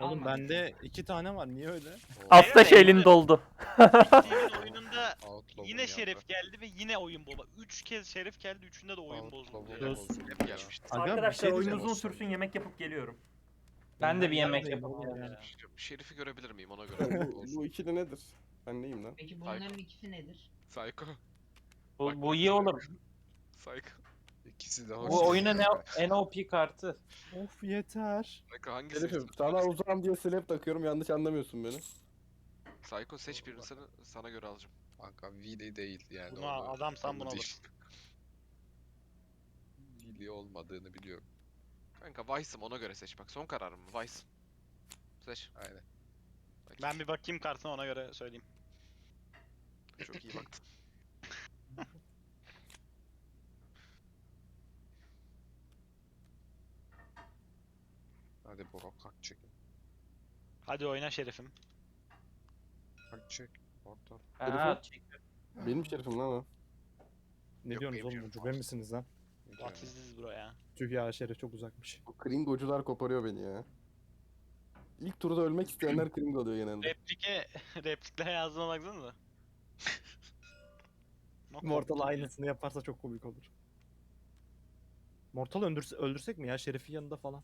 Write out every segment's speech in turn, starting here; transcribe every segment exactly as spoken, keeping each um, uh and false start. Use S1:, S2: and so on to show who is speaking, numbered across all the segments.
S1: Oğlum
S2: almadık
S1: bende
S2: yani.
S1: iki tane var. Niye öyle?
S3: Astaş
S4: Beyler,
S3: elin doldu.
S4: Bittiğimin oyununda
S5: Outlaw'un
S4: yine
S5: yandı.
S4: Şerif geldi ve yine oyun bozuldu. Üç kez Şerif geldi, üçünde de oyun bozuldu
S5: Outlaw'un
S4: ya.
S1: Söz.
S5: bozuldu
S4: Hep
S5: ya.
S4: geçmişti.
S1: Aga, bir
S3: Arkadaşlar
S1: şey
S3: oyun
S1: diyeceğim.
S3: uzun sürsün, yemek yapıp geliyorum. Ben de bir yemek
S1: neredeyim
S3: yapıp
S1: oğlum
S3: geleceğim.
S1: ya?
S5: Şerif'i görebilir miyim ona göre?
S6: bu, bu ikili nedir? Ben neyim lan?
S2: Peki bunların ikisi nedir?
S5: Psycho.
S3: Bu,
S5: Bak,
S3: bu
S5: bak.
S3: iyi olur.
S5: Psycho. İkisi de hoş.
S3: Bu oyunun en O P kartı.
S1: Of yeter.
S5: Psycho hangisi?
S6: Şerifim sana uzağım diye slap takıyorum, yanlış anlamıyorsun beni.
S5: Psycho seç birini sana, sana göre alacağım. Kanka Vili değil yani.
S4: Buna adam sen bunu alırsın.
S5: Vili olmadığını biliyorum. Kanka Vice'ım, ona göre seç bak. Son kararım mı? Vice. Seç. Aynen. Bak,
S4: Ben bir bakayım kartına, ona göre söyleyeyim.
S5: çok iyi baktın. Hadi bro, kalk çek.
S4: Hadi oyna Şerif'im.
S5: Kalk çek. Orta.
S3: Ha,
S6: Benim şerifim lan o.
S1: Ne
S5: Yok,
S1: diyorsunuz
S5: benim
S1: oğlum?
S5: canım
S1: Ucube
S5: var.
S1: misiniz lan?
S4: What is this bro ya?
S1: Tüh ya, Şerif çok uzakmış.
S6: Bu kringocular koparıyor beni ya. İlk turda ölmek isteyenler kringo oluyor genelde.
S4: Replike, repliklere yazdığına baksanıza. Bak,
S1: Mortal
S4: korktum ya.
S1: aynısını yaparsa çok komik olur. Mortal öldürse, öldürsek mi ya? Şerif'in yanında falan.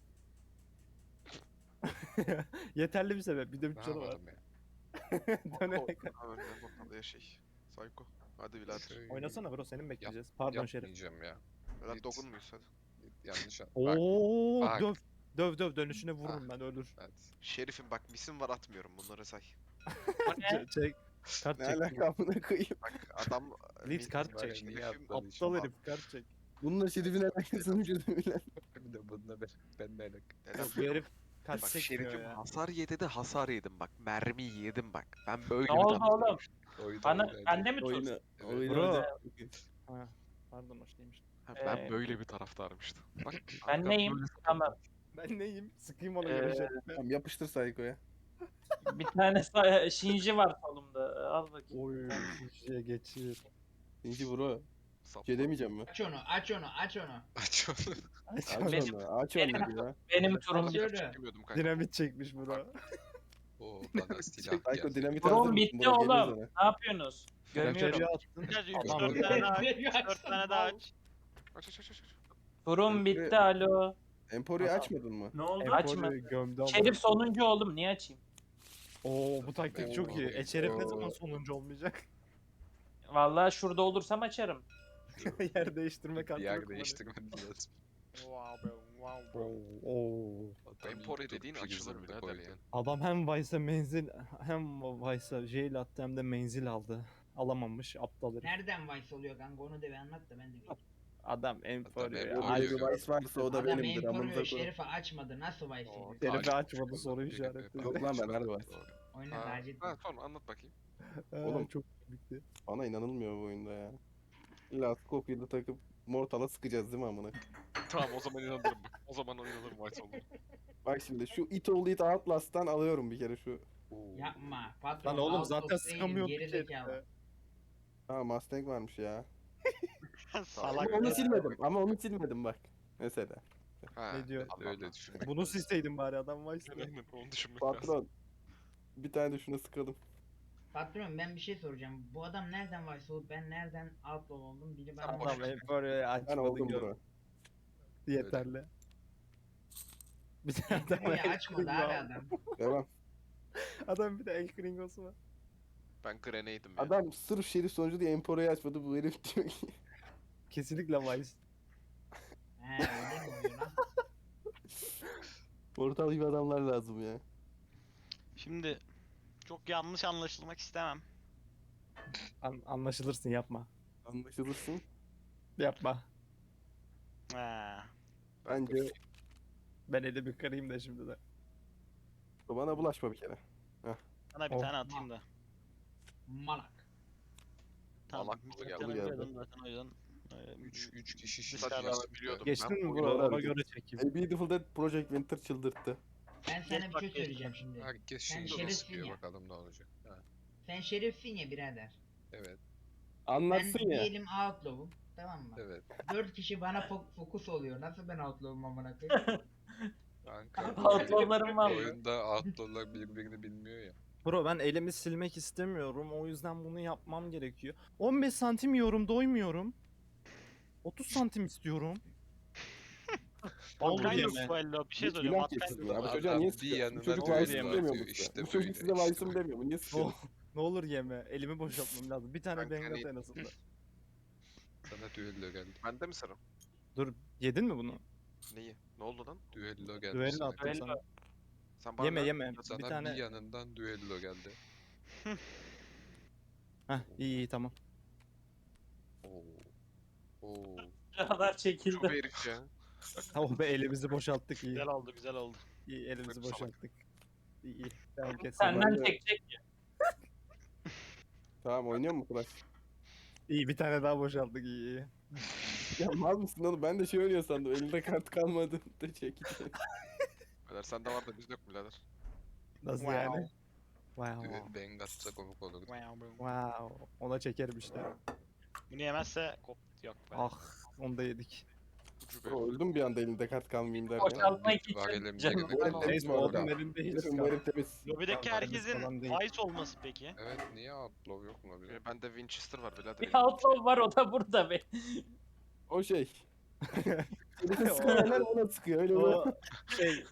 S1: Yeterli bir sebep. Bir de
S5: Ne
S1: üç canı var.
S5: yapalım ya?
S1: Dönerek.
S5: Ha, önden bakalım ya şey. Psycho. Hadi birader.
S1: Oynasana bro, senin bekleyeceğiz. Pardon Şerif.
S5: Yapmayacağım ya. Birader
S6: Git.
S5: dokunmuyorsun hadi. Yanlış an. Bak.
S1: Oo,
S5: bak.
S1: döv. Döv döv, dönüşüne vururum ben, ölür.
S5: Evet. Şerif'im bak, misim var, atmıyorum, bunları say.
S1: Ç- çek. Kart
S6: Ne
S1: çek.
S6: alaka amına koyayım.
S5: Bak adam...
S1: Leeds kart
S5: Bak,
S1: çek.
S5: Şerif'im
S1: Aptal herif, kart çek.
S6: Bununla şerifin alakasını çözümüyle.
S5: Bir de bununla ben, ben de alak.
S1: Yok, bu herif kart
S5: Bak
S1: çekmiyor
S5: Şerif'im
S1: ya.
S5: hasar yedi de hasar yedim bak. Mermi yedim bak. Ben böyle
S3: Ne
S5: bir
S3: oldu
S5: taraftarım.
S3: oğlum?
S5: Oyunu
S3: Bana,
S5: oynadım.
S3: bende mi tut?
S6: Oyunu,
S5: Evet.
S6: oyunu
S1: Bro.
S6: oynadım.
S1: Ha, pardon, hoş değilmiş.
S5: Ha, Ben
S3: Ee,
S5: böyle bir taraftarım işte. Bak,
S3: Ben
S5: kanka
S3: neyim?
S5: böyle-
S3: Tamam.
S1: Ben neyim? Sıkayım ona
S3: Ee,
S1: göre Şerif'e.
S6: Tamam, yapıştır Psycho'ya.
S3: Bir tane sa- Shinji var solumda. Al bakayım.
S1: Oy, şişeye geçir.
S6: İnci bro.
S5: Sapla.
S6: Şey demeyeceğim mi?
S2: Aç onu, aç onu, aç onu.
S5: Aç onu.
S6: Aç
S3: Benim-
S6: onu, aç
S3: benim-
S6: onu ya.
S3: Benim turum
S2: Aç
S3: bitti.
S2: onu.
S5: Çekemiyordum kanka.
S1: Dinamit çekmiş bro.
S5: Oo bana silah
S6: Psycho
S5: geldi.
S6: dinamit hazır
S3: Turum
S6: mısın?
S3: bitti
S6: Bro, geliyor
S3: oğlum.
S6: sana.
S3: Ne yapıyorsunuz? Görmüyorum.
S1: Şerife attın.
S4: Biraz üç
S1: Aman
S4: dört
S1: be.
S4: tane daha aç.
S2: Veriyor,
S4: üç dört tane daha aç.
S5: Aç aç aç aç.
S3: Turum bitti, alo.
S6: Emporio
S1: Tamam.
S6: açmadın mı?
S3: Ne oldu?
S1: Açma.
S3: Açma.
S1: Gömdü ama.
S3: Şerif sonuncu oğlum, niye açayım?
S1: Oo, bu taktik çok iyi. E Şerif ne zaman sonuncu olmayacak?
S3: Vallahi şurada olursam açarım.
S1: Yer değiştirme kartı
S5: Yer
S1: yok mu?
S5: değiştirmen lazım.
S4: Wow bro, wow bro.
S1: Oo, oo.
S5: Emporio dediğin açılır birader yani.
S1: Adam hem Vice'a menzil hem Vice'a jail attı hem de menzil aldı. Alamamış aptal herif.
S2: Nereden Vice oluyor kanka, onu da bir anlat da ben de bileyim.
S1: Adam Emporio ya.
S5: Emporio.
S1: Ay,
S6: Ayrı Vice varsa o da
S2: Adam
S6: benimdir.
S2: Emporio
S6: Amınıza koyayım.
S2: Şerif'i açmadı, nasıl Vice
S5: Oo,
S2: oluyor?
S1: Şerife
S5: Taci-
S1: açmadı, soru işareti.
S6: Yok lan, ben harbi var.
S2: Oyna
S5: Ha,
S2: Taceddin.
S5: ha, sonra anlat bakayım.
S6: Oğlum.
S1: Oğlum çok komikti.
S6: Bana inanılmıyor bu oyunda ya. İlla Scofiel'ı takıp Mortal'a sıkacağız değil mi amına?
S5: Tamam, o zaman inanırım bak. O zaman inanırım White olduğunu.
S6: Bak şimdi şu It Old It Outlast'tan alıyorum bir kere şu.
S2: Yapma. Patron
S1: Lan oğlum
S2: out
S1: zaten
S2: of değilim,
S1: sıkamıyordu
S2: geri
S1: ki
S2: zekalı.
S1: herife.
S6: Ha, Mustang varmış ya.
S4: Salak.
S6: Ama onu silmedim. Ama onu silmedim bak. Mesela.
S5: Ha,
S1: Ne diyor?
S5: evet, öyle düşünmek
S1: Bunu
S5: lazım.
S1: silseydin bari, adam Vice'da.
S5: Aynen, onu düşünmek lazım.
S6: Patron. Bir tane de şuna sıkalım.
S2: Patron, ben bir şey soracağım. Bu adam nereden Vice olup ben nereden Outlaw oldum? Biri bana
S5: Sen boş
S1: Adam
S5: ver.
S1: Emporio'yu
S6: Ben
S1: açmadı
S6: oldum
S1: gör.
S6: bro.
S1: Yeterli. Bir de adam
S2: Emporio
S1: el
S2: açmadı
S1: kringo
S2: abi
S1: aldı.
S2: adam.
S6: Devam.
S1: Adam bir de el kringosu var.
S5: Ben Grenade'im ya.
S6: Adam sırf şerif sonucu diye Emporio'yu açmadı. Bu herif diyor ki.
S1: Kesinlikle Vice.
S2: He öyle mi oluyor lan?
S6: Mortal gibi adamlar lazım ya.
S4: Şimdi çok yanlış anlaşılmak istemem.
S1: An anlaşılırsın, yapma.
S6: Anlaşılırsın.
S1: Yapma.
S4: Ha.
S6: Bence
S1: Ben eli bir kırayım da şimdi de.
S6: bana bulaşma bir kere.
S4: Sana bir
S1: Oh.
S4: tane atayım da.
S2: Malak.
S4: Tamam.
S5: Malak mı
S4: zaten
S6: geldi?
S4: biliyordum zaten o yüzden. e,
S5: üç üç kişi
S4: Dışarıda
S5: şişeceğiz
S4: alabiliyordum.
S5: biliyordum.
S1: Geçtin
S5: Ben
S1: mi
S5: bu
S1: bro?
S5: oyunu-
S6: oyunu-
S1: Ona göre çekeyim.
S6: A Beautiful Dead Project Winter çıldırttı.
S2: Ben sana bir
S4: bak,
S2: şey
S4: geç
S2: söyleyeceğim şimdi.
S5: Herkes
S2: Sen
S5: şimdi
S2: şerefsin
S5: onu sıkıyor,
S2: ya.
S5: bakalım ne olacak. Ha,
S2: Sen şerifsin ya birader.
S5: evet,
S6: Anlatsın
S2: Ben
S6: ya.
S2: diyelim Outlaw'um. Tamam mı?
S5: evet.
S2: Dört kişi bana fo- fokus oluyor. Nasıl ben Outlaw'um amına koyayım?
S5: Kanka.
S3: Outlaw'larım var mı?
S5: Oyunda outlaw'lar birbirini bilmiyor ya.
S1: Bro ben elimi silmek istemiyorum. O yüzden bunu yapmam gerekiyor. on beş santim yiyorum, doymuyorum. otuz santim istiyorum. Olur
S4: Vatkan yok
S1: yeme.
S4: bu elde. Bir şey
S6: Hiç
S4: söyleyeceğim.
S6: günah
S4: Vatkan
S6: keçisi
S4: yok.
S6: ya. Bu
S5: Adam
S6: çocuğa niye
S5: bir
S6: sıkıyorsun? Bu
S5: yanına
S6: çocuk
S5: düğün
S6: Vice'ım
S5: yapıyor,
S6: demiyor bu
S5: işte
S6: size. Bu
S5: böyle,
S6: çocuk size
S5: işte
S6: Vice'ım
S5: böyle.
S6: demiyor. Bu niye
S1: Ne,
S6: sıkıyorsun?
S1: ne olur yeme. Elimi boşaltmam lazım. Bir tane
S5: Kanka
S1: bengat
S5: hani-
S1: en azından.
S5: Sana düello geldi. Bende mi sıra?
S1: Dur yedin mi bunu?
S5: Neyi? Ne oldu lan? Düello geldi
S1: Düello
S5: sana.
S1: attım
S3: Düello.
S1: sana.
S5: Sen bana
S1: Yeme
S5: ver,
S1: yeme.
S5: sana
S1: Bir
S5: bir,
S1: tane.
S5: yanından düello geldi.
S1: Heh iyi iyi tamam.
S5: Oo. Oo.
S3: Kadar çekildi.
S5: Çok herifçe.
S1: Tamam be elimizi boşalttık iyi.
S4: Güzel oldu güzel oldu.
S1: İyi elimizi
S5: Salak.
S1: boşalttık. İyi iyi. Tamam kes.
S3: Senden
S6: Ben de-
S3: çekecek.
S6: Tamam oynuyor mu Flash?
S1: İyi bir tane daha boşalttık iyi iyi.
S6: Ya mal mısın oğlum? Ben de şey oynuyor sandım. Elinde kart kalmadı da çekeceğim.
S5: Beyler sende var da bizde yok mu birader?
S1: Nasıl
S4: Wow.
S1: yani? Wow.
S5: Düel Bengat'sa komik olurdu.
S4: Wow, bro.
S1: Wow. Ona çekerim işte.
S4: Bunu yemezse kop yok be.
S1: Ah onu da yedik.
S5: Ucu be.
S6: Bro öldüm bir anda elinde kart kalmayayım derken.
S3: Boşaltmak
S5: Var
S3: için
S5: elimde
S3: canım.
S5: gene.
S6: Bu el
S5: Tamam.
S6: temiz
S1: Neyse
S6: bu arada.
S1: oğlum elinde hiç
S6: Herifim bu
S1: kalmadı.
S6: herif temiz.
S4: Lobideki
S1: Tamam,
S4: herkesin
S1: falan değil.
S4: Vice olması peki.
S5: Evet niye outlaw yok mu bile? Bende Winchester var birader.
S3: Bir outlaw var o da burada be.
S6: O şey. Herifin sıkıyorlar ona sıkıyor. Öyle
S1: O
S6: böyle.
S1: şey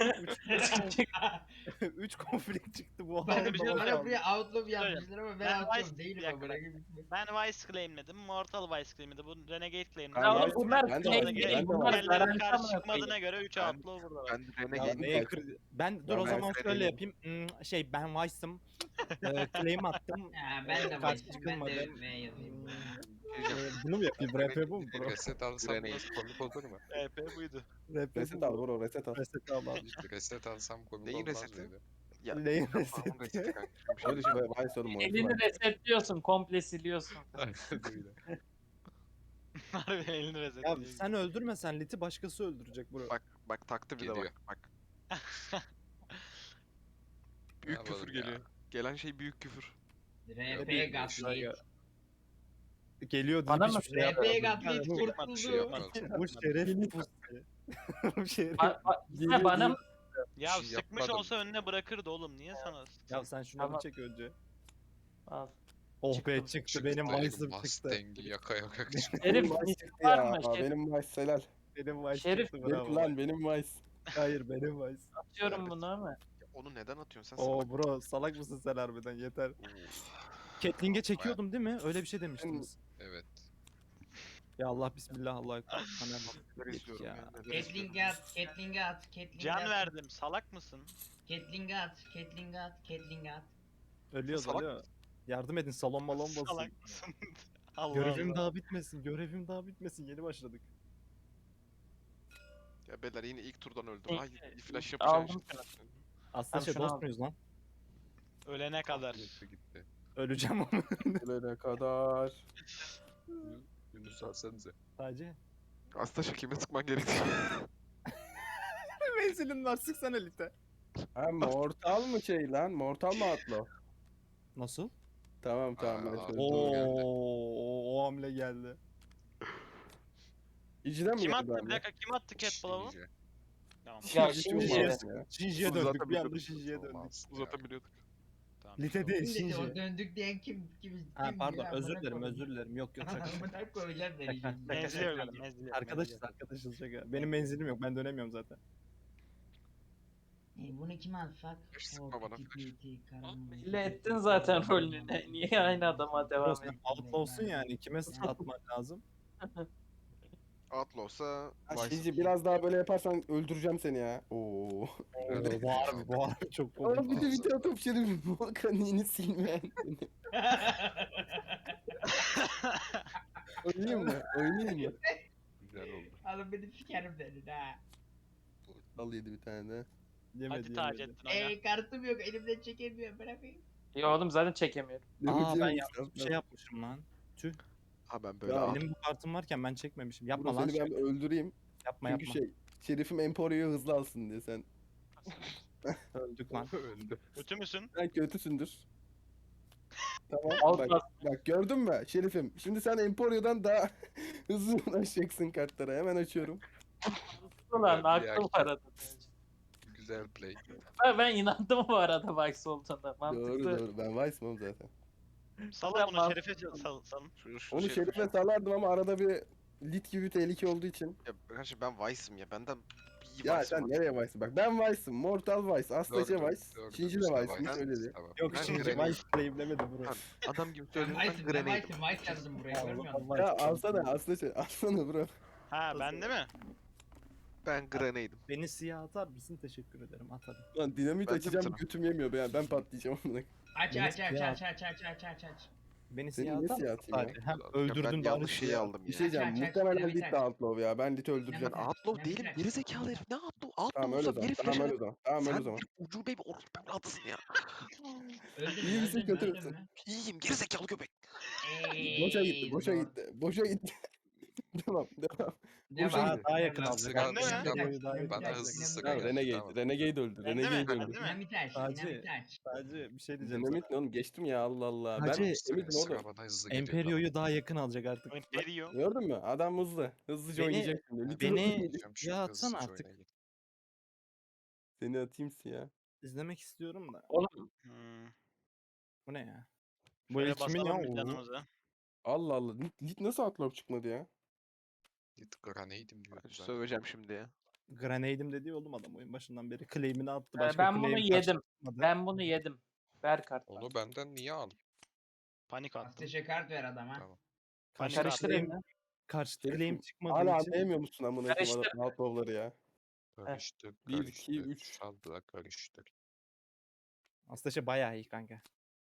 S1: üç konflikt çıktı bu
S2: Bana
S1: halde
S2: bir şey
S1: boşaldı.
S2: bana buraya outlaw yapmışlar ama ben
S4: Ben
S2: outlaw
S4: Vice-
S2: değilim
S4: bir dakika,
S2: ama.
S4: Ben Vice claimledim. Mortal Vice claimledi. Bu Renegade claimledi.
S6: Ben
S3: Ya
S6: Vice-
S3: bunlar
S6: ben de
S3: claim
S6: Vice-
S3: değil.
S6: ben de
S3: Bunlar
S6: Vice-
S4: Diğerlerinin
S3: garanti
S4: karşı
S3: amına koyayım.
S4: çıkmadığına göre üç
S5: Ben-
S4: outlaw burada var.
S5: Ben
S1: Ya
S5: Renegade.
S1: neye kır- Ben dur
S6: Ya
S1: o
S6: ben
S1: zaman şöyle
S6: Renegade.
S1: yapayım. Hmm, şey ben Vice'ım. Ee, claim attım.
S2: Ha, ben de
S1: Karşı
S2: Vice'im. Ben de
S1: çıkılmadı.
S2: V yazayım.
S1: Ee, bunu mu yapayım? R P bu mu bro?
S5: Reset alsam nasıl komik olur mu?
S4: E P buydu.
S1: R P
S6: Reset
S1: bu
S6: al
S1: mu?
S6: bro reset al.
S1: Reset al abi.
S5: İşte reset alsam komik
S7: Neyin
S5: olmaz
S7: reseti?
S5: mıydı?
S7: Ya,
S1: Neyin
S7: Onun
S1: reseti?
S7: reseti kanka. Bir şey
S6: Öyle şey böyle Vice oğlum o.
S3: Elini resetliyorsun, komple siliyorsun.
S5: Aynen öyle.
S4: Harbiden elini reset
S1: Ya
S4: ediyor.
S1: sen öldürmesen Lit'i başkası öldürecek bro.
S7: Bak bak taktı bir de
S5: Geliyor.
S7: bak. Bak. Büyük
S5: Ne
S7: küfür
S5: yapalım ya?
S7: geliyor. Gelen şey büyük küfür.
S2: R P
S1: Bir-
S2: Gaslight.
S1: Geliyor deyip
S3: Bana mı
S1: hiçbir şey
S2: R
S1: yapmadı.
S2: P Gaslight
S1: Bu-
S5: Bir şey
S2: kurtuldu.
S5: yapmaz.
S1: Bu şeref pusu. Bu şeref.
S3: Ba- ba- işte bana mı?
S4: Ya
S5: Bir şey
S4: sıkmış
S5: yapmadım.
S4: olsa önüne bırakırdı oğlum. Niye sana sıksın?
S1: Ya sen şunu
S3: Tamam.
S1: bir çek önce.
S3: Al.
S1: Oh
S3: Çıktı.
S1: be çıktı benim Vice'ım çıktı.
S5: Mustang'i yaka yaka çıktı.
S3: Herif
S6: Benim Vice
S3: hiç
S6: çıktı
S3: var
S6: ya.
S3: mı? Şerif
S6: Benim Vice helal.
S1: Benim Vice
S3: Şerif
S1: çıktı
S6: Benim
S1: bravo.
S6: lan benim Vice.
S1: Hayır benim Vice.
S3: atıyorum bunu ama.
S7: Ya onu neden atıyorsun sen?
S1: Oo
S7: salak?
S1: bro salak mısın sen harbiden yeter.
S5: Oo,
S1: Catling'e çekiyordum değil mi? Öyle bir şey demiştiniz.
S5: evet.
S1: Ya Allah bismillah Allah ekber. Hani
S7: Neler izliyorum
S1: ya.
S7: ya. neler izliyorum
S2: Catling'e
S7: ya.
S2: at, Catling'e at, Catling'e
S4: Can
S2: at.
S4: verdim. Salak mısın?
S2: Catling'e at, Catling'e at, Catling'e at.
S1: ölüyoruz
S7: Salak
S1: ölüyor. Yardım edin salon malon basın.
S4: Salak mısın? Allah
S1: Görevim
S4: Allah.
S1: daha bitmesin. Görevim daha bitmesin. Yeni başladık.
S7: Ya beyler yine ilk turdan öldüm.
S3: İlk-
S7: Ay bir flash yapacağım
S3: Aldım
S7: işte.
S1: Aslında
S3: Tamam,
S1: şey
S3: şunu
S1: dost
S3: al.
S1: muyuz lan?
S4: Ölene kadar.
S5: Gitti gitti.
S1: Öleceğim ama.
S6: Ölene kadar.
S5: Yunus alsanıza.
S1: Sadece.
S7: Aslında kime sıkman gerektiği.
S1: Menzilin var sıksana Lite.
S6: Ha mortal mı şey lan? Mortal mı atlo?
S1: Nasıl?
S6: Tamam tamam ben
S5: Aa,
S6: şöyle.
S1: Oo,
S5: geldi.
S1: o hamle geldi.
S6: İciden mi
S4: Kim
S6: geldi
S4: attı? Bir
S6: abi?
S4: dakika kim attı Cat Ball'u?
S5: Shinji.
S4: Tamam.
S3: Ya
S6: Shinji
S3: şimdi
S6: çok
S1: şey-
S6: masum ya.
S1: Shinji'ye
S7: Zaten
S1: döndük. Bir anda
S7: biliyorduk.
S1: Shinji'ye döndük.
S5: Olmaz ya.
S7: Uzatabiliyorduk.
S4: Tamam.
S1: Lite değil
S2: Şimdi o
S1: Shinji.
S2: döndük diyen kim? Kim?
S1: Ha
S2: kim
S1: pardon
S2: ya?
S1: özür
S2: Amına
S1: dilerim
S2: koyayım.
S1: özür dilerim. Yok yok şaka.
S2: Amına koyacağım seni
S1: Şaka,
S2: şimdi.
S1: şaka.
S4: Menzil yok. Menzil yok.
S1: Arkadaşız arkadaşız şaka. Benim menzilim yok ben dönemiyorum zaten.
S2: E, bunu kime atsak?
S7: Flash sıkma
S2: O
S7: bana,
S2: piti
S7: flash.
S2: piti, karanlık.
S3: Belli ettin zaten rolünü. Ne- Niye aynı adama
S1: Bro
S3: devam
S1: sen
S3: ediyorsun?
S1: out olsun yani. Kime atman lazım?
S7: Outlaw olsa
S6: Ha,
S7: Vice.
S6: Shinji biraz daha böyle yaparsan öldüreceğim seni ya. Oo.
S5: Evet.
S1: Bu harbi bu harbi çok
S6: Ama
S1: komik.
S6: bir de bir tane top şerif Volkan'ın yeni silmeyen. Oynayayım mı? Oynayayım mı?
S5: Güzel oldu.
S2: Alın beni sikerim senin ha.
S6: Al yedi bir tane de.
S1: Yemedi
S4: Hadi
S1: yemedi.
S4: Taceddin oyna.
S2: Ey kartım yok elimden çekemiyorum bırakayım.
S3: Ya oğlum zaten çekemiyorum.
S1: Aa ben
S6: Yapacağım
S1: yanlış bir şey yapmışım lan. Tüh.
S7: Ha ben böyle
S6: Ya,
S7: at-
S1: Benim bu kartım varken ben çekmemişim. Yapma
S6: Yapma
S1: lan.
S6: seni ben
S1: Şerif.
S6: öldüreyim.
S1: Yapma
S6: Çünkü
S1: yapma.
S6: şey Şerif'im Emporio'yu hızlı alsın diye sen.
S1: Öldük lan.
S5: Öldü.
S4: Kötü müsün?
S6: Sen kötüsündür. Tamam
S3: Al
S6: bak,
S3: bak.
S6: bak gördün mü Şerif'im? Şimdi sen Emporio'dan daha hızlı ulaşacaksın kartlara. Hemen açıyorum.
S3: Ulan
S5: Bir
S3: akıl
S5: erkek.
S3: var adamın.
S5: Güzel play.
S3: Ben, ben inandım bu arada Vice olduğuna. Mantıklı.
S6: Doğru doğru. Ben Vice'mam zaten.
S4: Salın bunu
S3: Tamam.
S4: Şerif'e sal- sal- salın.
S5: Şunu, şunu
S6: Onu
S5: Şerif'e-
S6: Şerif'e salardım ama arada bir lit gibi bir tehlike olduğu için.
S5: Ya kardeşim ben Vice'ım ya. Benden iyi
S6: Ya
S5: Vice'ım
S6: sen
S5: var.
S6: nereye Vice'ın? Bak ben Vice'ım. Mortal Vice. Aslaca
S5: Gördüm,
S6: Vice.
S5: gördüm.
S6: Shinji de
S5: Üstüne
S6: Vice'miş
S5: Vice.
S6: öyle diye.
S5: Tamam.
S1: Yok
S5: Ben
S1: şimdi
S5: Grenade-
S1: Vice claimlemedi bro.
S5: Tamam, adam gibi
S2: Ben
S5: söyledim ben
S2: Vice'ım, ben
S5: Grenade'im.
S2: Vice'ım, Vice yazdım buraya görmüyor musun?
S1: Allah
S6: Ya
S1: Allah.
S6: alsana Aslaca. Alsana bro.
S4: Ha ben de mi?
S5: Ben Grenade'im.
S1: Beni siyah atar mısın? Teşekkür ederim atarım.
S6: Lan dinamit
S5: Ben de
S6: açacağım
S5: bitirem.
S6: götüm yemiyor be ya. Ben patlayacağım amına.
S2: Aç
S1: Beni
S2: aç aç
S1: siyah-
S2: aç aç aç aç aç aç.
S1: Beni
S6: Seni
S1: siyah
S6: niye
S1: atar
S6: siyah
S1: mısın?
S6: atayım ya?
S1: Hadi. Hem
S5: Ya
S1: öldürdün
S5: ben
S1: bari
S5: yanlış şeyi
S1: siyah.
S5: aldım
S6: Bir
S5: ya.
S6: şey diyeceğim.
S2: Aç, aç, aç,
S6: Muhtemelen
S2: dinamit
S6: lit
S2: aç.
S6: de outlaw ya. Ben lit öldüreceğim.
S2: Dinamit aç.
S5: Outlaw
S2: Dinamit
S5: değilim.
S2: aç.
S5: Gerizekalı herif. Ne outlaw? Outlaw
S6: Tamam öyle o
S5: olsam
S6: zaman.
S5: geri
S6: Tamam
S5: flash
S6: öyle o zaman. Tamam öyle o
S5: Sen
S6: zaman.
S5: bir ucube bir orospu evladısın ya.
S2: Öldün
S6: İyi
S2: mü?
S6: misin,
S2: Öldün mü?
S6: kötü
S2: Öldün
S6: müsün?
S2: mü?
S5: İyiyim gerizekalı köpek.
S6: Boşa gitti.
S2: Ey,
S6: Boşa
S2: zor.
S6: gitti. Boşa gitti. Devam. Devam.
S2: Devam.
S6: Boşa
S1: Daha,
S6: gitti.
S1: daha yakın
S2: Devam.
S1: alacak.
S4: Ben de mi?
S1: Artık
S2: Dinamit
S1: boyu
S2: aç,
S1: daha
S2: dinamit
S1: yakın
S5: Bana
S2: aç,
S1: alacak.
S5: hızlı sık
S2: dinamit
S6: Tamam
S2: aç.
S5: geldi,
S6: Renegade.
S5: tamam.
S6: Renegade öldü.
S4: Ben de mi?
S6: Renegade
S4: Ben
S6: öldü.
S4: de mi?
S2: Dinamit aç,
S1: Sadece-
S2: dinamit aç.
S1: Sadece bir şey diyeceğim
S6: Dinamit
S1: sana.
S6: ne oğlum? Geçtim ya Allah Allah.
S1: Hacı,
S6: Ben
S5: Sıra,
S6: eminim
S5: sıra
S6: oğlum.
S5: bana hızlı geliyor.
S1: Emperio'yu daha yakın alacak artık.
S4: Imperio.
S6: Gördün mü? Adam hızlı. Hızlıca
S1: Beni-
S6: oynayacak şimdi. Lit
S1: beni-
S6: oynayacak.
S5: Tamam. Şu
S1: Ya
S5: hızlıca
S1: atsana artık.
S5: oynayayım.
S6: Seni atayım siyah.
S1: İzlemek istiyorum da.
S3: Oğlum
S4: Hmm.
S1: Bu ne ya? Bu
S4: Şöyle
S1: el kimin ya?
S4: basalım bir
S1: Oo.
S4: canımıza.
S6: Allah Allah. Lit, lit nasıl outlaw çıkmadı ya?
S5: Git Grenade'im diyor.
S7: Ben
S5: Güzel.
S7: söveceğim şimdi ya.
S1: Grenade'im dediği oğlum adam oyun başından beri. Claim'ini attı.
S3: Ee,
S1: Başka
S3: ben bunu
S1: claim
S3: yedim.
S1: karşılaşmadı.
S3: ben bunu yedim. Ver kartı.
S5: Onu benden niye aldın?
S4: Panik attım.
S2: Asteşe kart ver adama.
S5: Tamam.
S1: Karşı
S4: Panik
S3: Karıştırayım
S1: claim,
S3: mı?
S1: karşı
S6: Herifim,
S1: claim çıkmadığı
S6: Hala
S1: için
S6: anlayamıyor musun amına koyayım
S3: Karıştır.
S6: adam outlaw'ları ya?
S5: Karıştır,
S6: Bir,
S5: karıştır.
S6: iki, üç.
S5: Salla karıştır.
S1: aslında şey bayağı iyi kanka.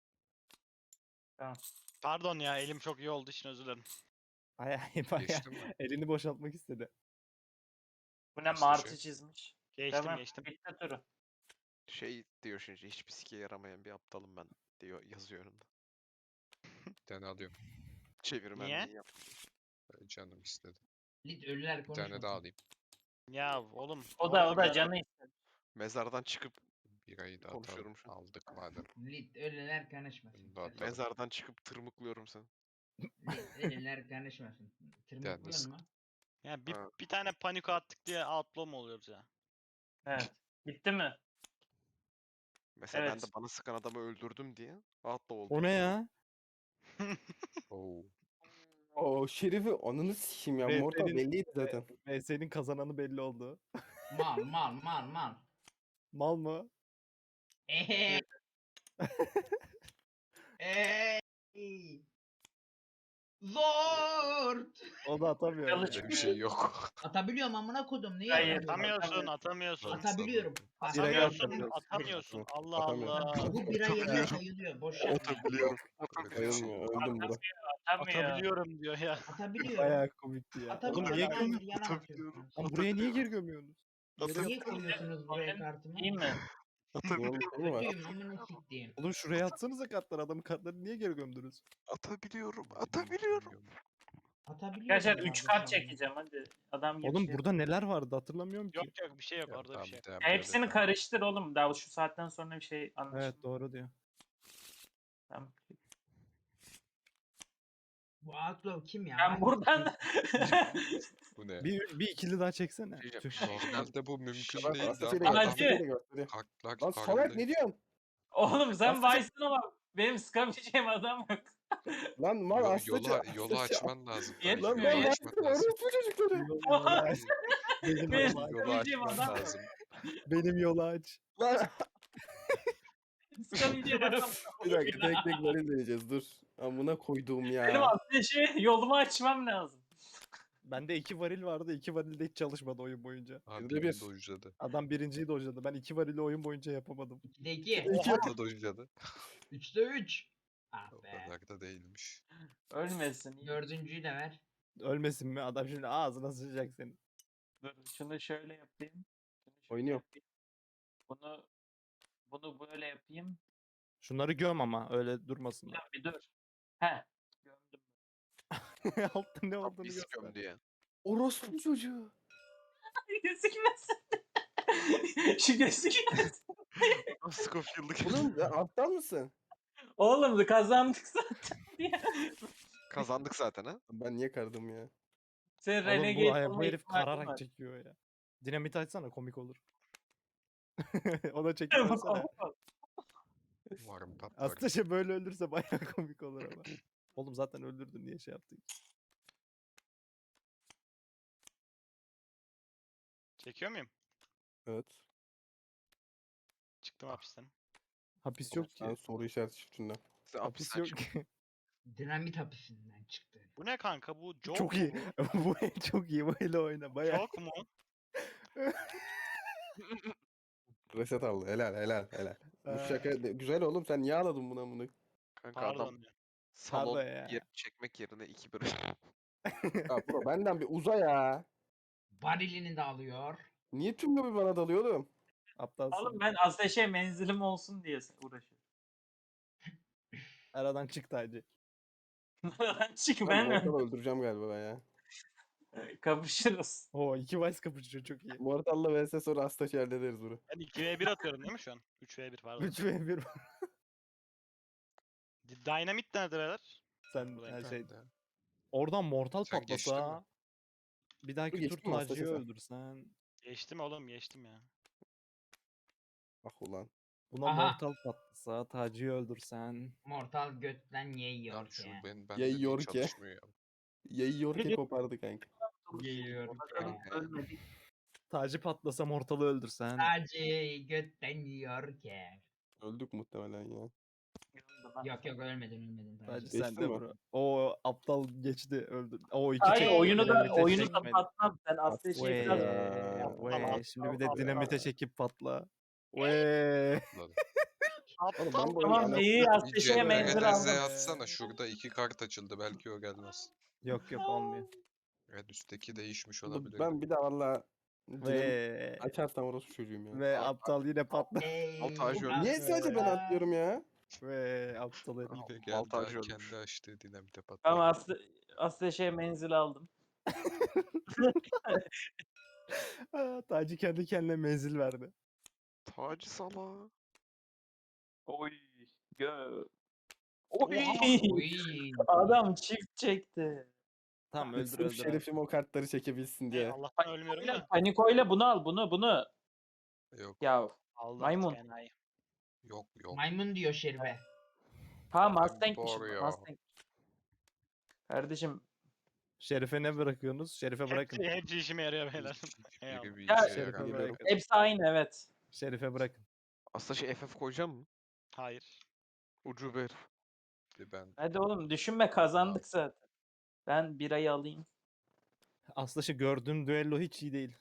S4: Pardon ya elim çok iyi olduğu için özür dilerim.
S1: Bayağı iyi bayağı.
S5: Geçtim mi?
S1: Elini boşaltmak istedi.
S3: Bu ne
S5: İşte
S3: martı
S5: şey.
S3: çizmiş.
S4: Geçtim
S3: Tamam.
S4: geçtim.
S3: Bitti turu.
S7: Şey diyor şimdi hiçbir sike yaramayan bir aptalım ben diyor yazıyor önünde.
S5: Bir tane alıyorum.
S7: Çevirmenliği yap.
S5: Ee, Canım istedi.
S2: Lit ölüler
S5: Bir
S2: konuşmasın.
S5: tane daha alayım.
S4: Ya oğlum.
S3: O da o
S4: oğlum
S3: da
S4: ya.
S3: canı istedi.
S7: Mezardan çıkıp
S5: Birayı da
S7: Konuşuyorum
S5: atalım.
S7: şu an.
S5: Aldık madem.
S2: Lit ölüler konuşmasın.
S5: Bunu da atalım.
S7: mezardan çıkıp tırmıklıyorum seni.
S2: Lit ölüler konuşmasın. Tırmıklıyor
S5: Yalnız-
S2: mu?
S4: Ya bir,
S7: Ha.
S4: bir tane panik attık diye outlaw mu oluyoruz ya?
S3: Evet. Bitti mi?
S7: Mesela ben
S3: Evet.
S7: de bana sıkan adamı öldürdüm diye outlaw oldum.
S1: O ne ya?
S5: Oo.
S6: O şerifi ananı sikeyim ya.
S1: Ve
S6: Mortal
S1: senin-
S6: belliydi zaten.
S1: V S'nin kazananı belli oldu.
S2: Mal mal mal mal.
S1: Mal mı?
S2: Eee. Eee. Zor.
S1: O da atamıyor.
S3: Çalış-
S5: Öyle bir şey yok.
S2: Atabiliyorum amına kodum. Niye
S3: Hayır,
S2: atamıyorum?
S4: Atamıyorsun, atamıyorsun.
S2: Atabiliyorum. Bak,
S1: Direkt
S4: Atamıyorsun,
S1: atamıyorsun.
S4: atamıyorsun. Allah
S6: Atamıyorum.
S4: Allah.
S2: Bu bira yerine sayılıyor. Boş yapma.
S7: Atabiliyorum.
S5: Öyle bir şey
S6: Bayılmıyor.
S5: yok.
S6: Öldüm bura.
S3: Atamıyor.
S4: Atabiliyorum diyor ya.
S2: Atabiliyorum.
S1: Bayağı komikti ya.
S2: Atabiliyorum.
S1: Oğlum niye,
S2: Atabiliyorum.
S1: göm
S2: Yana atıyorsunuz.
S1: Lan buraya niye geri gömüyorsunuz?
S2: Niye koyuyorsunuz buraya
S3: Atabiliyorum.
S2: kartımı?
S3: İyi mi?
S6: Bunun sonu var.
S2: Kötüyüm amına siktiğim.
S1: Oğlum şuraya atsanıza kartları. Adamın kartlarını niye geri gömdünüz?
S7: Atabiliyorum. Atabiliyorum.
S2: Atabiliyorum.
S3: Arkadaşlar üç
S2: kardeşim.
S3: kart çekeceğim hadi. Adam gibi
S1: Oğlum
S3: şey.
S1: burada neler vardı hatırlamıyorum ki.
S4: Yok yok bir şey yok
S5: Ya,
S4: orada
S5: tamam,
S4: bir şey. yok.
S5: tamam, böyle
S3: Hepsini
S5: tamam.
S3: karıştır oğlum. Daha şu saatten sonra bir şey anlaşılmıyor.
S1: Evet doğru diyor.
S3: Tamam.
S2: Bu Outlaw kim ya?
S3: Ben
S2: Hangisi?
S3: buradan
S5: Bu ne?
S1: Bir, bir ikili daha çeksene.
S7: Diyeceğim,
S1: Tüh.
S7: şey-
S5: Normalde bu mümkün
S6: Bak
S5: değil.
S6: Aslaça'yı
S5: Daha
S6: da
S3: Hacı.
S6: gösteriyor. Aslaça'yı da gösteriyor.
S5: Kalk,
S6: Lan salak ne diyorsun?
S3: Oğlum sen
S6: Aslında-
S3: Vice'ın ama benim sıkabileceğim adam yok.
S6: Lan mal
S5: Yol,
S6: Aslaça.
S5: yola, yolu
S6: Aslaça-
S5: açman lazım.
S3: Yetmiyor,
S5: Yolu
S6: Lan ben
S3: yetmiyor.
S5: açman
S6: Vice'ım
S5: lazım.
S6: orospu çocukları.
S1: Benim
S3: Benim
S1: yolu aç.
S5: Yolu
S3: sıkabileceğim
S5: açman
S3: adam yok.
S5: lazım.
S1: Benim yolu aç.
S6: Lan
S3: Sıkabileceğim adam
S6: bir dakika tek tek varil deneyeceğiz dur. Amına koyduğum
S3: Benim
S6: ya.
S3: ateşi yolumu açmam lazım.
S1: Bende iki varil vardı. İki varil de hiç çalışmadı oyun boyunca.
S5: Abi
S6: Yüzde
S5: benim
S6: bir.
S5: de uzadı.
S1: Adam birinciyi dojladı. Ben iki varili oyun boyunca yapamadım.
S2: ikide iki.
S5: Oha da uzadı.
S2: üçte üç. Ah
S5: O
S2: be.
S5: kadar da değilmiş.
S3: Ölmesin. iyi.
S2: Dördüncüyü de ver.
S1: Ölmesin mi? Adam şimdi ağzına sıçacak senin.
S3: Dur şunu şöyle yapayım. Şunu şöyle
S6: Oynuyor.
S3: yapayım. Bunu bunu böyle yapayım.
S1: Şunları göm ama öyle durmasınlar.
S3: Ya bir dur. He. Gömdüm.
S1: Altta ne olduğunu
S7: Biz
S1: göster.
S7: göm diye.
S6: Orospu çocuğu.
S3: Gözükmesin. Şu gözükmesin.
S7: Scofield'lık.
S6: Oğlum ya aptal mısın?
S3: Oğlum kazandık zaten.
S7: Kazandık zaten ha.
S6: Ben niye kardım ya?
S3: Sen
S1: Oğlum bu,
S3: Renegade
S1: ay- bu
S3: olma
S1: herif
S3: ihtimalin
S1: kararak
S3: var.
S1: çekiyor ya. Dinamit açsana komik olur. Ona çekip ölsene.
S7: Umarım patlar.
S1: Aslında şey böyle öldürse bayağı komik olur ama. Oğlum zaten öldürdün niye şey yaptın?
S4: Çekiyor muyum?
S6: Evet.
S4: Çıktım hapisten.
S1: Hapis yok
S6: Ben
S1: ki.
S6: soru işareti çiftinden.
S7: Sen
S1: Hapis
S7: hapisten
S1: yok
S7: çık.
S1: ki.
S2: Dinamit hapisinden çıktı.
S4: Bu ne kanka bu? Joke
S1: Çok
S4: mu
S1: iyi.
S4: bu?
S1: Bu el çok iyi. Bu ele oyna. Bayağı.
S4: Joke mu?
S6: Reset aldı. Helal helal helal. Bu
S1: Aa.
S6: şaka de- güzel oğlum, sen niye ağladın buna bunu?
S5: Kanka adam
S4: Pardon ya.
S5: salon
S1: Pardon ya.
S5: yer çekmek yerine iki bir.
S6: Ya bro benden bir uza ya.
S2: Varilini de alıyor.
S6: Niye tüm lobi bana dalıyor oğlum?
S1: Aptalsın.
S3: Oğlum ben ateşe menzilim olsun diye uğraşıyorum.
S1: Aradan çık Taci.
S3: Çık
S6: Ben
S3: ben
S6: Mortal'ı öldüreceğim galiba ben ya.
S3: kapışırız.
S1: Oo iki Vice kapışıyor çok iyi.
S6: Mortal'la vs sonra Astaş'ı hallederiz bunu.
S4: Ben iki ve bir atıyorum değil mi şu an? üç ve bir pardon.
S1: üç ve bir.
S4: Dynamit nerede beyler?
S1: Sen
S4: Buradayım.
S1: her şey.
S7: Ben de.
S1: Oradan mortal
S7: Sen geçtin mi?
S1: patlasa. Bir dahaki tur
S6: geçtin mi
S1: Taci'yi
S6: Astaş'a?
S1: öldürsen.
S4: Geçtim oğlum geçtim ya.
S6: Ah ulan.
S1: Buna
S2: Aha.
S1: mortal patlasa Taci'yi öldürsen.
S2: Mortal götten yiyor
S7: Lan
S2: ki.
S7: şu ben ben
S6: Yayıyor
S7: de
S6: ki.
S7: çalışmıyor ya.
S6: Yayıyor ki kopardı kanka.
S2: Yiyor ki.
S3: Ölmedik.
S1: Taci patlasa mortalı öldürsen.
S2: Sadece götten yiyor ki.
S6: Öldük muhtemelen ya.
S2: Yok yok ölmedin ölmedin.
S1: Taci
S2: Taci.
S1: sen
S6: Geçtin
S1: de
S6: mi?
S1: bro. O aptal geçti öldü. O iki
S3: Hayır
S1: çekti,
S3: oyunu da
S1: dinamite
S3: oyunu da
S1: çekmedi.
S3: patlam. Sen ateşe
S1: Vee,
S3: biraz
S6: Ya.
S1: vee. Şimdi bir de
S3: Aptal,
S1: dinamite
S3: aptal.
S1: çekip patla. Vee.
S6: Oğlum ben bu oyunu
S3: Tamam
S6: ana-
S3: iyi
S7: Bir
S3: ateşe
S7: C
S3: menzil
S7: T R Z
S3: aldım.
S7: atsana, şurada iki kart açıldı, belki o gelmez.
S1: Yok yok olmuyor.
S7: Evet, üstteki değişmiş
S6: Oğlum
S7: olabilir.
S6: ben bir de valla canım
S1: Ve
S6: açarsam orospu çocuğum ya.
S1: ve aptal yine patla.
S2: Ey,
S5: Montaj yok.
S6: Niye sadece ben
S2: aptal.
S6: atlıyorum ya?
S1: Ve aptal herif.
S7: Yine geldi,
S5: Baltaj
S7: ha,
S5: ölmüş.
S7: kendi açtı dinamite patladı.
S3: Tamam ate- ateşe menzil aldım.
S1: Aa, Taci kendi kendine menzil verdi.
S5: Taci sala.
S3: Oy. Gö. Oy.
S2: Uy.
S3: Adam çift çekti.
S1: Tamam öldür
S6: Sırf
S1: öldür. abi.
S6: şerefim o kartları çekebilsin
S4: Ey,
S6: diye.
S4: Allah'tan ölmüyorum da.
S3: Panikoyla bunu al bunu bunu.
S7: Yok
S3: Ya
S4: Aldım.
S3: Maymun.
S4: enayi.
S7: yok yok.
S2: Maymun diyor Şerife.
S3: ha
S7: Ben
S3: Mustang'miş.
S7: doğru ya.
S3: Mustang. Kardeşim
S1: Şerife ne bırakıyorsunuz? Şerife bırakın.
S4: Hepsi, hepsi işime yarıyor beyler.
S7: Hiçbir
S4: Eyvallah.
S7: biri bir
S3: Ya-
S7: işe
S1: Şerife
S7: yaramıyor.
S6: Geliyorum.
S1: bırakın.
S3: hepsi aynı evet.
S1: Şerife bırakın.
S5: Aslında şey F F koyacağım mı?
S4: Hayır.
S5: Ucube herif.
S7: Ben
S3: Hadi oğlum düşünme kazandık zaten. Ben birayı alayım.
S1: Aslında şu gördüğüm düello hiç iyi değil.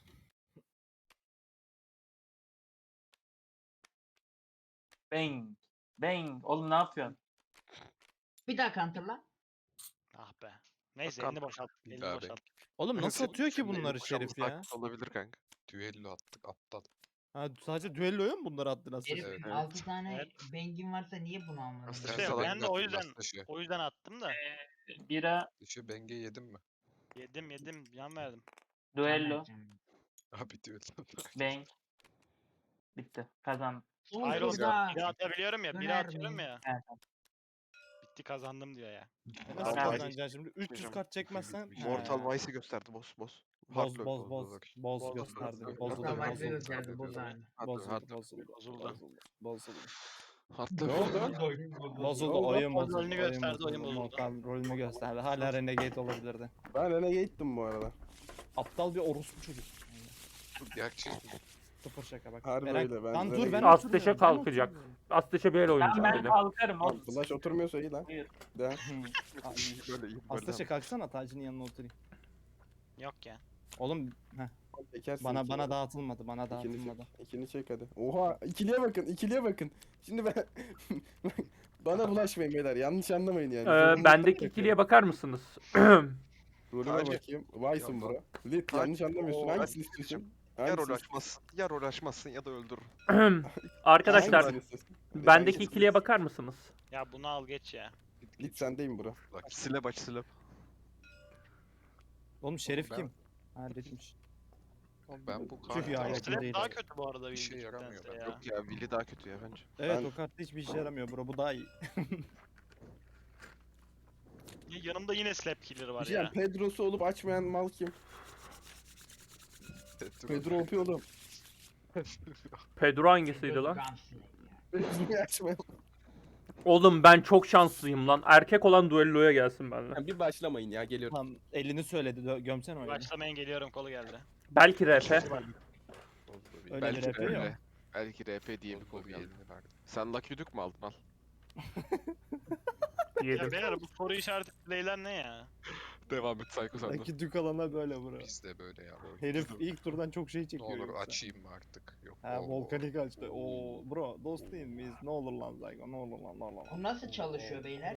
S3: Bang. Bang. Oğlum ne yapıyorsun?
S2: Bir daha counterla.
S4: Ah be. Neyse
S5: Bakalım.
S4: elini boşalt.
S7: Bir
S4: Elini
S7: daha
S4: boşalt.
S1: Oğlum nasıl
S5: Senin
S1: atıyor ki
S5: şimdi
S1: bunları
S5: boşanması
S1: Şerif ya?
S5: hakkı Olabilir kanka.
S7: düello attık aptal.
S1: Ha sadece düelloya mı bunları attın aslında?
S2: Herif
S7: Evet,
S5: evet.
S2: altı tane
S4: Evet.
S2: bengin varsa niye bunu almadın?
S5: Aslında
S4: İşte
S5: Sen salak
S4: ben de o yüzden
S7: Dışı,
S4: o yüzden attım da.
S3: Bira.
S7: dışı benge yedim mi?
S4: Yedim yedim yan verdim.
S3: Duello.
S7: Abi düello.
S3: Bang. Bitti. Kazandım.
S4: Hayır oğlum
S2: Burada.
S4: biri atabiliyorum ya. Biri
S2: Döner
S4: atıyorum
S2: mi?
S4: ya.
S3: Evet.
S4: Bitti kazandım diyor ya.
S1: E nasıl
S3: Tamam.
S1: kazanacaksın şimdi? üç yüz
S5: Gitmeyeceğim.
S1: kart çekmezsen.
S7: Gitmeyeceğim.
S5: Mortal
S1: Ha.
S5: Vice'i gösterdi boss boss.
S1: Boz
S5: Hardlock
S1: boz
S5: oldu
S1: boz.
S5: bak.
S1: Boz
S4: Boz,
S1: gösterdi.
S5: boz,
S1: Bozuldu
S2: Mortal
S5: Mortal
S2: Vice'e
S1: bozuldu.
S2: gösterdi boz
S7: Hardlock.
S2: abi.
S5: Hardlock,
S1: Bozuldu
S5: hardlock.
S1: bozuldu.
S4: Bozuldu.
S1: Bozuldu. Bozuldu.
S5: Hardlock.
S1: Ne oldu? Bozuldu
S4: oldu?
S1: oyun
S4: O
S1: bozuldu.
S4: rolünü
S1: Oyun
S4: gösterdi,
S1: bozuldu.
S4: oyun bozuldu.
S1: Mortal rolünü gösterdi. Hala Renegade olabilirdi.
S6: Ben Renegade'dim bu arada.
S1: Aptal bir orospu çocuk.
S7: Gerçi
S1: Sıfır şaka bak.
S6: Harbi
S1: Eren-
S6: öyle, ben
S1: Lan dur ben
S6: Renegade-
S1: oturmuyorum,
S8: Asteşe
S1: ben
S8: kalkacak.
S1: oturmuyorum.
S8: Asteşe böyle
S3: Ben,
S8: oynayacak
S3: ben
S8: dedim.
S3: kalkarım
S6: Lan
S3: oğlum.
S6: Flash oturmuyorsa iyi lan.
S3: Buyur.
S6: De.
S5: Böyle iyi böyle.
S1: Asteşe kalksana Taci'nin yanına oturayım.
S4: Yok ya.
S1: Oğlum heh,
S6: Çekersin
S1: bana
S6: iki
S1: bana
S6: ya.
S1: dağıtılmadı bana
S6: İkini
S1: dağıtılmadı.
S6: çek. İkini çek hadi. Oha ikiliye bakın ikiliye bakın. Şimdi ben bana bulaşmayın beyler, yanlış anlamayın yani.
S8: Ee,
S6: Zorunluluktan
S8: bendeki
S6: bakıyorum.
S8: ikiliye bakar mısınız?
S6: Rolüme
S5: Taci.
S6: bakayım. Vice'ım
S5: Yok
S6: bro. Lit
S5: Taci.
S6: yanlış anlamıyorsun.
S5: Oo,
S6: Hangisini
S5: ben-
S6: istiyorsun?
S5: Ya
S6: Hangisini
S5: rol açmazsın, ya rol açmazsın ya da öldürür.
S8: Arkadaşlar
S6: Hangisini istiyorsun? Lit,
S8: bendeki
S6: hangisini
S8: ikiliye
S6: istiyorsun?
S8: bakar mısınız?
S4: Ya bunu al geç ya.
S6: Lit sendeyim bro.
S7: bak
S5: Slap aç slap.
S1: Oğlum Şerif
S7: ben-
S1: kim? Halletmiş.
S7: ben bu
S1: Çünkü ya,
S7: kartı
S1: yakın
S4: Slap
S1: değil
S4: daha
S1: abi.
S4: kötü bu arada
S7: İşe
S4: bildiğindense
S7: yaramıyor ben.
S4: ya.
S5: Yok ya Willy daha kötü ya bence.
S1: Evet
S6: Ben-
S1: o kartta hiçbir işe yaramıyor bro bu daha iyi.
S4: Ya Yanımda yine slap killer var
S6: Bir şey
S4: ya.
S6: diyeyim, Pedro'su olup açmayan mal kim? Pedro O P oğlum.
S8: Pedro hangisiydi lan?
S2: Gunslinger.
S6: Niye açmayalım?
S8: Oğlum ben çok şanslıyım lan. Erkek olan duelloya gelsin benimle.
S6: Ha, bir başlamayın ya geliyorum.
S1: Tamam elini söyledi dö- gömsene oyunu.
S4: Başlamayın geliyorum kolu geldi.
S8: Belki R P.
S1: Öyle
S5: belki
S1: bir R P yok.
S5: R P. Belki R P diye bir kol geldi. Sen Lucky Duke mu aldın al?
S4: Ya
S8: Yedim.
S4: beyler bu soru işareti playler ne ya?
S5: Devam et Psycho sen de.
S1: Belki dük alana böyle bura.
S7: Bizde böyle ya.
S1: Herif ilk turdan çok şey
S7: Ne
S1: çekiyor.
S7: olur
S1: yoksa.
S7: açayım mı artık? Yok.
S1: Ha
S7: oo.
S1: volkanik açtı. Oo bro dost değil miyiz? Ne olur lan Zygo ne olur lan ne olur lan.
S2: Bu nasıl çalışıyor beyler?